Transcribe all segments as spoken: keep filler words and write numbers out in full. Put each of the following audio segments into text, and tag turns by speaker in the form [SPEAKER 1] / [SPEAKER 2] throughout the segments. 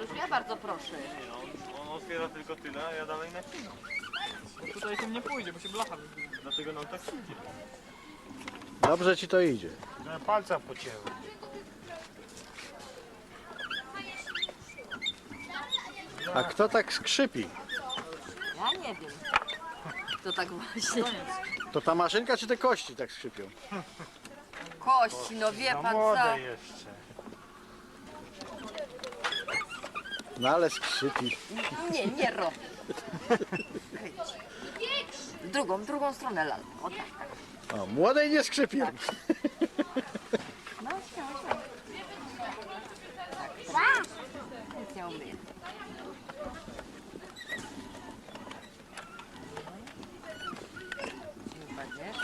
[SPEAKER 1] Mariusz, ja bardzo proszę.
[SPEAKER 2] Nie no, on, on otwiera tylko tyle, a ja dalej nacinam.
[SPEAKER 3] Tutaj tym nie pójdzie, bo się blacha wybije.
[SPEAKER 2] Dlatego nam tak idzie.
[SPEAKER 4] Dobrze ci to idzie.
[SPEAKER 5] No, palca pocięły.
[SPEAKER 4] A kto tak skrzypi?
[SPEAKER 1] Ja nie wiem. To tak właśnie.
[SPEAKER 4] To ta maszynka czy te kości tak skrzypią?
[SPEAKER 1] Kości, no wie
[SPEAKER 5] No
[SPEAKER 1] pan co?
[SPEAKER 5] młode jeszcze.
[SPEAKER 4] No ale skrzypi.
[SPEAKER 1] Nie, nie robię. W drugą, w drugą stronę lalką. O tak, tak.
[SPEAKER 4] O, młodej nie skrzypią.
[SPEAKER 1] No, śmiało, śmiało. Tak, nic nie umyję. Wypadniesz.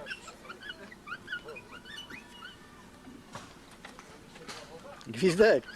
[SPEAKER 4] Gwizdek.